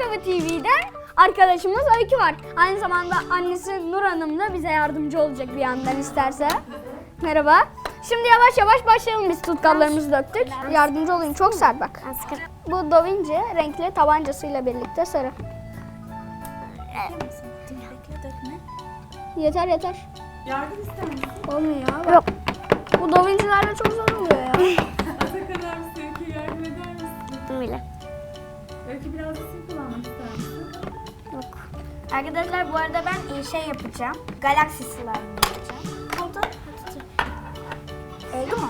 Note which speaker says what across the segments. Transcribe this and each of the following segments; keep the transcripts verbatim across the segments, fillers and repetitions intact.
Speaker 1: Merhaba T V'den arkadaşımız Öykü var. Aynı zamanda annesi Nur Hanım da bize yardımcı olacak bir yandan isterse. Merhaba. Şimdi yavaş yavaş başlayalım, biz tutkallarımızı döktük. Yardımcı olayım, çok sert bak. Bu Da Vinci renkli tabancasıyla birlikte sarı. Yeter yeter.
Speaker 2: Yardım ister misin?
Speaker 1: Olmuyor ya. Yok. Bu Da Vinci'lerle çok zor oluyor ya.
Speaker 2: Atakan abi Öykü'ye yardım eder misin?
Speaker 3: Öyle.
Speaker 2: Öykü biraz da sim kullanmak ister misin?
Speaker 3: Yok.
Speaker 1: Arkadaşlar bu arada ben şey yapacağım. Galaxy slime yapacağım. Oldu. Oldu mu?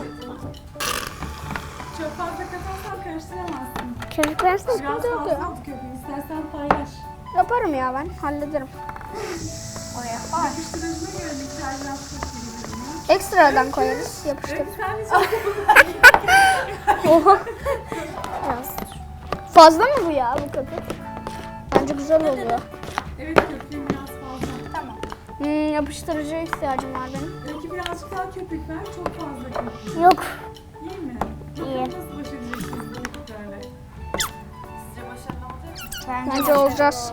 Speaker 2: Çok fazla katarsan karıştıramazsın.
Speaker 3: Köpük versene.
Speaker 2: Biraz
Speaker 1: Sıkıntı yok
Speaker 2: fazla
Speaker 1: ya.
Speaker 2: oldu köpüğü. İstersen paylaş.
Speaker 1: Yaparım ya, ben hallederim.
Speaker 2: Oraya. Yapıştırıcına göre miktar biraz koyabilirim.
Speaker 1: Ekstradan koyarız, yapıştır.
Speaker 2: Öykü sen de çok
Speaker 1: Oha.
Speaker 3: Biraz.
Speaker 1: Fazla mı bu ya, bu köpük? Bence güzel oluyor.
Speaker 2: Evet köpüğün biraz fazla.
Speaker 1: Tamam. Hmm, yapıştırıcıya ihtiyacım var benim.
Speaker 2: Öykü birazcık daha köpük ver. Çok fazla köpük.
Speaker 3: Yok.
Speaker 2: İyi mi?
Speaker 3: İyi.
Speaker 2: Nasıl baş edeceksiniz bu köpüklerle? Sizce başarılı olacak mı?
Speaker 1: Bence olacağız.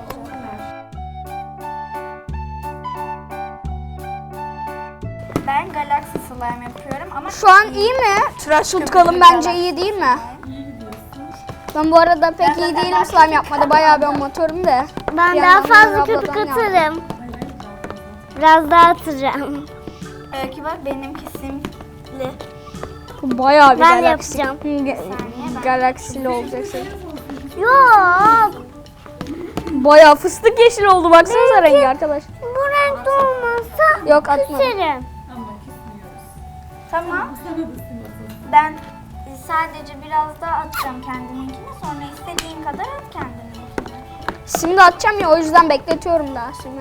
Speaker 4: Ben Galaxy slime yapıyorum ama
Speaker 1: Şu an iyi mi? Tıraş tutkalım bence iyi değil mi?
Speaker 2: İyi gidiyorsun.
Speaker 1: Ben bu arada pek iyi değilim slime yapmadı. Bayağı bir amatörüm de.
Speaker 3: Ben
Speaker 1: Bir
Speaker 3: daha
Speaker 1: yandan
Speaker 3: fazla
Speaker 1: Nur
Speaker 3: köpük
Speaker 1: abladan
Speaker 3: atarım.
Speaker 2: Hayır hayır daha fazla.
Speaker 3: Biraz daha atacağım.
Speaker 4: Öykü bak benimki simli.
Speaker 1: Bu bayağı bir
Speaker 3: Ben de
Speaker 1: galaksi.
Speaker 3: yapacağım.
Speaker 1: Hı, ge- Galaksili olacaksın.
Speaker 3: Yok.
Speaker 1: Bayağı fıstık yeşil oldu, baksanıza rengi arkadaş.
Speaker 3: Bu renkte olmasa
Speaker 1: Yok, atmadım.
Speaker 3: küserim.
Speaker 2: Ama kesmiyoruz.
Speaker 4: Tamam.
Speaker 2: Sana da sim atalım.
Speaker 4: Ben sadece biraz daha atacağım kendiminkini. Sonra istediğin kadar at kendiminkini.
Speaker 1: Şimdi atacağım ya, o yüzden bekletiyorum daha şimdi.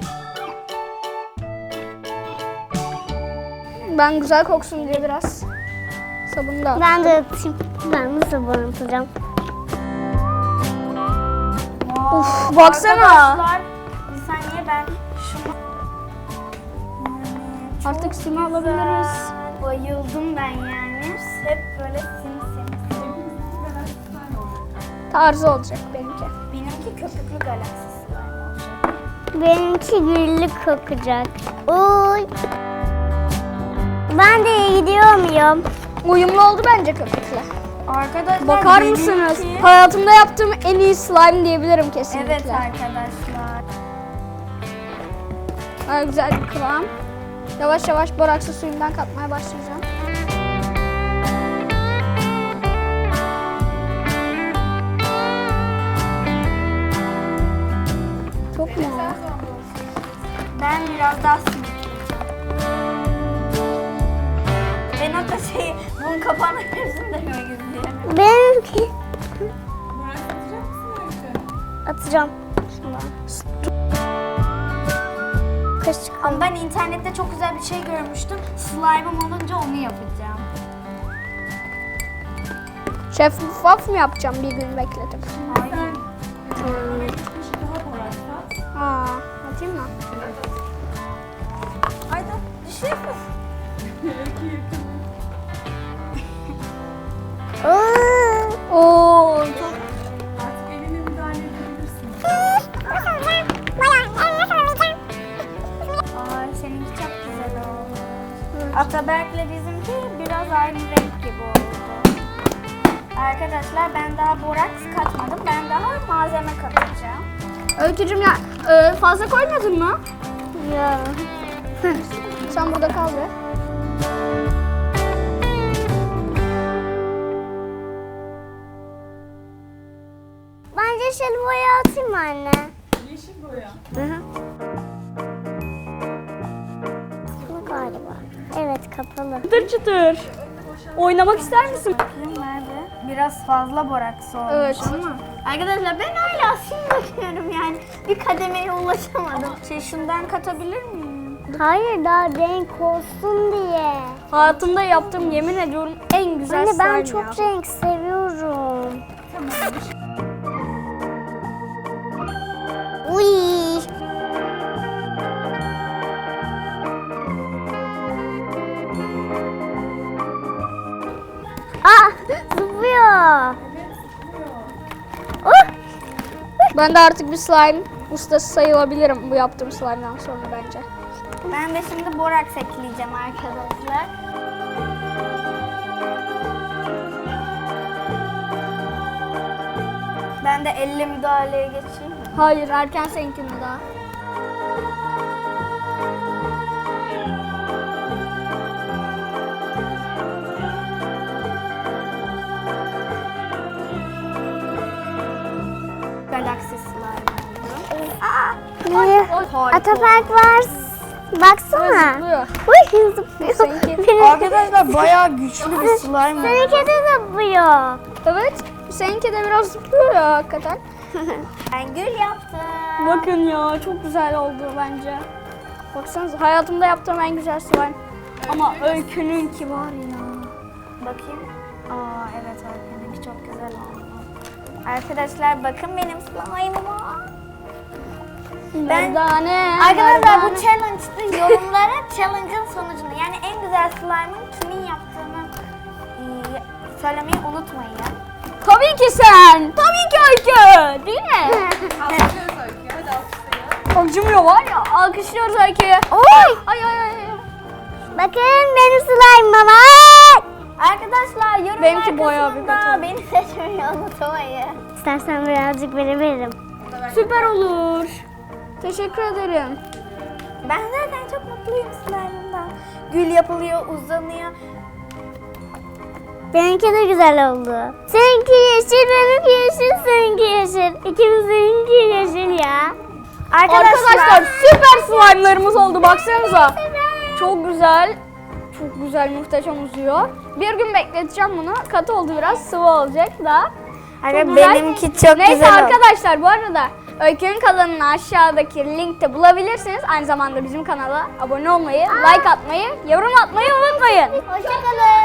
Speaker 1: Ben güzel koksun diye biraz sabunu da attım.
Speaker 3: Ben de atayım. Ben de sabun atacağım.
Speaker 1: Uf, baksana.
Speaker 4: Arkadaşlar bir saniye ben şunu... Yani çok
Speaker 1: Artık simi alabiliriz.
Speaker 4: güzel. Bayıldım ben yani. Hep böyle sim sim.
Speaker 2: Hepimizin kadar slime olacak.
Speaker 1: Tarzı olacak benimki.
Speaker 4: Benimki köpüklü Galaxy slime olacak.
Speaker 3: Benimki güllük kokacak. Oy. Ben de iyi gidiyor muyum?
Speaker 1: Uyumlu oldu bence köpükle.
Speaker 4: Arkadaşlar
Speaker 1: Bakar
Speaker 4: benimki-
Speaker 1: mısınız? Hayatımda yaptığım en iyi slime diyebilirim kesinlikle.
Speaker 4: Evet arkadaşlar.
Speaker 1: Bayağı güzel bir kıvam. Yavaş yavaş boraksı suyundan katmaya başlayacağım. Çok mu?
Speaker 4: Ben biraz daha simit. Ben hatta şey, bunun kapağını hepsini denemek istiyorum.
Speaker 3: Benimki.
Speaker 2: Burak atacak mısın Öykü?
Speaker 3: Atacağım. Şundan. Kaşık.
Speaker 4: Ama ben internette çok güzel bir şey görmüştüm. Slime'ım olunca onu yapacağım.
Speaker 1: Şeffaf mı yapacağım bir gün bekletip?
Speaker 4: Hayır.
Speaker 2: Sen oraya bir kaşık daha borak kat.
Speaker 1: Aa, atayım mı?
Speaker 4: Haydi düşüyorsun.
Speaker 2: Öykü yakın.
Speaker 3: Oo.
Speaker 1: Oo, çok
Speaker 2: Artık eline müdahale edebilirsin.
Speaker 4: Ay seninki çok güzel oldu. Ataberk'le bizimki biraz aynı renk gibi oldu. Arkadaşlar ben daha boraks katmadım. Ben daha malzeme katacağım.
Speaker 1: Öykücüm ya, e, fazla koymadın mı?
Speaker 3: Ya.
Speaker 1: Sen burada kal be.
Speaker 3: Bence şöyle boya atayım anne.
Speaker 2: Yeşil boya.
Speaker 3: Hı hı. Bu galiba. Evet kapalı.
Speaker 1: Çıtır çıtır. Oynamak ister misin?
Speaker 4: Bakayım nerede? Biraz fazla boraks olmuş
Speaker 1: Evet.
Speaker 4: ama. Arkadaşlar ben hala sim bakıyorum yani. Bir kademeye ulaşamadım. Şey şundan katabilir miyim?
Speaker 3: Hayır daha renk olsun diye.
Speaker 1: Hayatımda yaptığım, yemin ediyorum, en güzel
Speaker 3: Anne
Speaker 1: slime
Speaker 3: ben çok
Speaker 1: ya.
Speaker 3: renk seviyorum. Uy. Aa zıplıyor.
Speaker 2: Evet, sıkıyor.
Speaker 3: Oh.
Speaker 1: Ben de artık bir slime ustası sayılabilirim bu yaptığım slime'dan sonra bence.
Speaker 4: Ben de şimdi boraks ekleyeceğim arkadaşlar. Ben de elle müdahaleye geçeyim mi?
Speaker 1: Hayır, erken seninkinde daha.
Speaker 4: Galaxy slime.
Speaker 3: Ne? Ataberk var. Baksana.
Speaker 1: Zıplıyor.
Speaker 3: Uy zıplıyor.
Speaker 1: Seninki-
Speaker 3: Benim-
Speaker 4: Arkadaşlar bayağı güçlü bir slime.
Speaker 3: Seninki de zıplıyor.
Speaker 1: Evet, seninki de biraz zıplıyor ya hakikaten.
Speaker 4: Ben gül yaptım.
Speaker 1: Bakın ya, çok güzel oldu bence. Baksanıza, hayatımda yaptığım en güzel slime. Ama Öykü'nünki var ya.
Speaker 4: Bakayım. Aa evet Öykü'nünki çok güzel oldu. Arkadaşlar bakın benim slime'ıma. Ben-
Speaker 1: Merdane,
Speaker 4: Arkadaşlar bu
Speaker 1: merdane.
Speaker 4: challenge'da yorumlara challenge'ın sonucunu yani en güzel slime'ın kimin yaptığını e, söylemeyi unutmayın.
Speaker 1: Tabii ki sen. Tabii ki Öykü. Değil mi?
Speaker 2: Alkışlıyoruz Öykü. Hadi alkışlayın.
Speaker 1: Acımıyor var ya. Alkışlıyoruz Öykü'yü.
Speaker 3: Oy.
Speaker 1: Ay ay ay.
Speaker 3: Bakın benim slime'ıma bak.
Speaker 4: Arkadaşlar yorum
Speaker 1: Benimki bayağı büyük
Speaker 4: kısmında
Speaker 1: hata.
Speaker 4: beni seçmeyi unutmayın.
Speaker 3: İstersen birazcık verebilirim.
Speaker 1: Süper olur. Teşekkür ederim.
Speaker 4: Ben zaten çok mutluyum slime'ımdan. Gül yapılıyor, uzanıyor.
Speaker 3: Benimki de güzel oldu. Seninki yeşil, benimki yeşil, seninki yeşil. İkimizinki yeşil ya.
Speaker 1: Arkadaşlar, süper slime'larımız oldu. Baksanıza. Çok güzel. Çok güzel, muhteşem uzuyor. Bir gün bekleteceğim bunu. Katı oldu biraz. Sıvı olacak da.
Speaker 4: Arkadaşlar
Speaker 1: güzel.
Speaker 4: benimki çok
Speaker 1: Neyse
Speaker 4: güzel oldu.
Speaker 1: arkadaşlar, bu arada Öykü'nün kanalını aşağıdaki linkte bulabilirsiniz. Aynı zamanda bizim kanala abone olmayı, like atmayı, yorum atmayı unutmayın.
Speaker 3: Hoşçakalın.